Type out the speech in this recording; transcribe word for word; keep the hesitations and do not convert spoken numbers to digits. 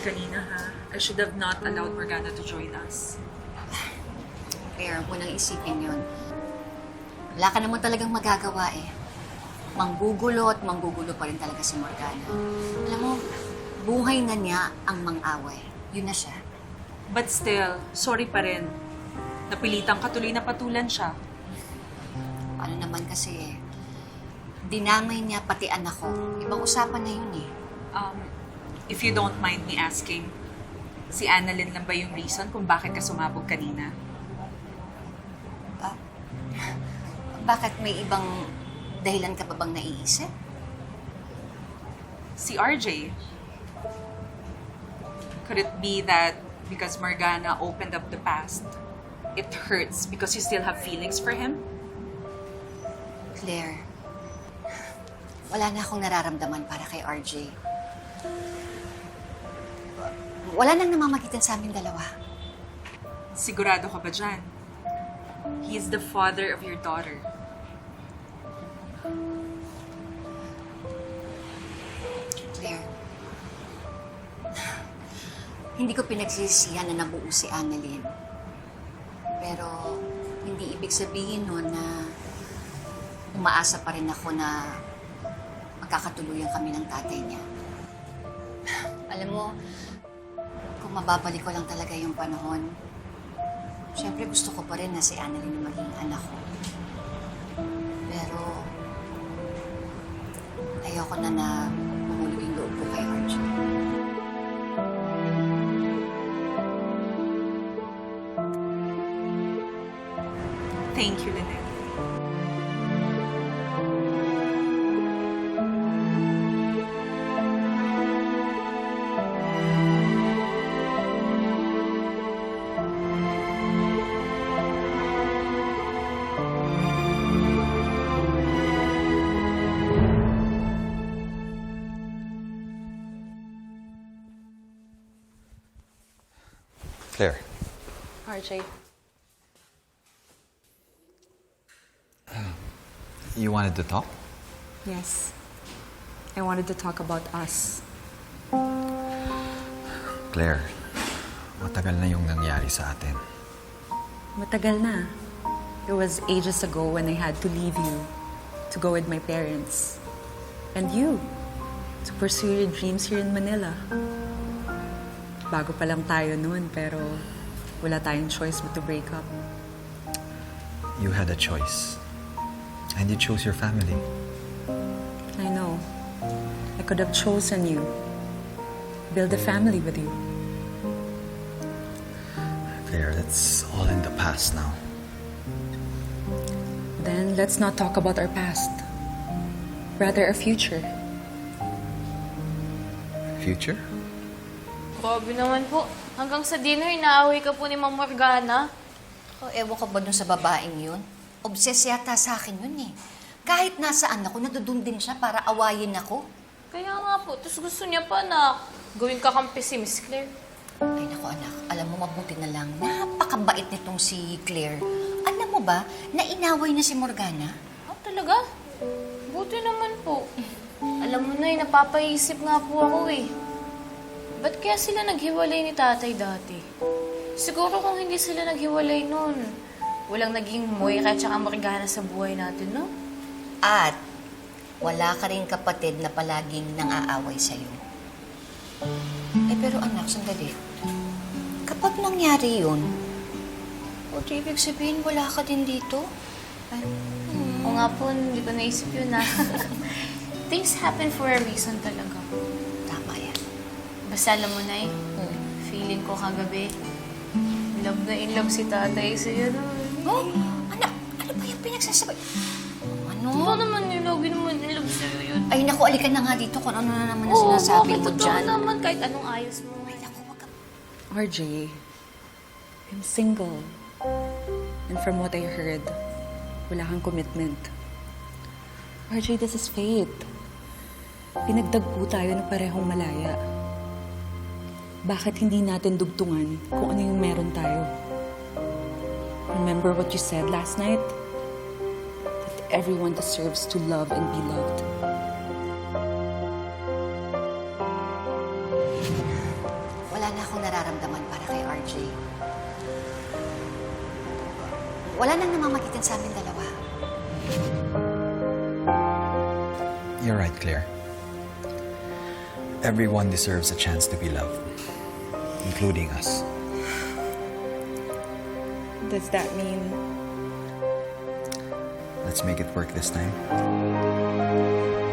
kanina, ha? I should have not allowed Morgana to join us. Claire, huwag mo nang isipin yun. Wala ka naman talagang magagawa eh. Manggugulo at manggugulo pa rin talaga si Morgana. Alam mo, buhay na niya ang mang-away. Yun na siya. But still, sorry pa rin. Napilitang katuloy na patulan siya. Ano naman kasi eh, dinamay niya pati anak ko. Ibang usapan na yun eh. Um, if you don't mind me asking, si Annalyn lang ba yung reason kung bakit ka sumabog kanina? Ba? Bakit may ibang dahilan ka pa bang naiisip? Si R J. Could it be that because Morgana opened up the past, it hurts because you still have feelings for him? Claire, wala na akong nararamdaman para kay R J. Wala nang namamagitan sa aming dalawa. Sigurado ka ba dyan? He is the father of your daughter. Claire, hindi ko pinagsisihan na nabuo si Annalyn. Pero hindi ibig sabihin nun na umaasa pa rin ako na magkakatuluyan kami ng tatay niya. Alam mo, kung mababalik ko lang talaga yung panahon, syempre gusto ko pa rin na si Annalyn yung maging anak ko. Pero ayoko na na mahulog yung loob ko kay Archie. Thank you, Lynette. Claire, R J. you wanted to talk? Yes. I wanted to talk about us. Claire, matagal na yung nangyari sa atin. Matagal na. It was ages ago when I had to leave you to go with my parents. And you, to pursue your dreams here in Manila. Bago pa lang tayo noon, pero wala tayong choice but to break up. You had a choice. And you chose your family. I know. I could have chosen you. Build a family with you. Claire, that's all in the past now. Then let's not talk about our past. Rather, our future. Future? Grabe naman po. Hanggang sa dinner, inaaway ka po ni Ma'am Morgana. Oh, ewan ka ba dun sa babaeng yun? Obses yata sa akin yun eh. Kahit nasaan ako, nadudun din siya para awayin ako. Kaya nga po, tapos gusto niya pa na gawin kakampi si Miss Claire. Ay naku anak, alam mo mabuti na lang, napakabait nitong si Claire. Alam mo ba, na inaway na si Morgana? Ah, talaga? Buti naman po. Alam mo na eh, napapaisip nga po ako eh. Ba't kaya sila naghiwalay ni tatay dati? Siguro kung hindi sila naghiwalay noon, walang naging Moira at saka Morgana sa buhay natin, no? At wala ka rin kapatid na palaging nang-aaway sa'yo. Eh pero anak, sandali. Kapag nangyari yun, o di ibig sabihin wala ka din dito? Ay, Hmm. O nga po, hindi ko naisip yun na. Things happen for a reason talaga. tama yan. Basta alam mo na eh, feeling ko kagabi, love na in love si tatay sa'yo. Oh, anak, ano ba yung pinagsasabay? Ano? Oo naman yun, lagi naman in love sa'yo yun. Ay naku, alikan na nga dito kung ano na naman na Oo, sinasabi bakit mo totoo dyan. naman kahit anong ayos mo. Ay naku, wag ka. R J, I'm single. And from what I heard, wala kang commitment. R J, this is fate. Pinagdagpo tayo na parehong malaya. Bakit hindi natin dugtungan kung ano yung meron tayo? Remember what you said last night? That everyone deserves to love and be loved. R J. Wala nang namamagitan sa amin dalawa. You're right, Claire. Everyone deserves a chance to be loved, including us. Does that mean Let's make it work this time.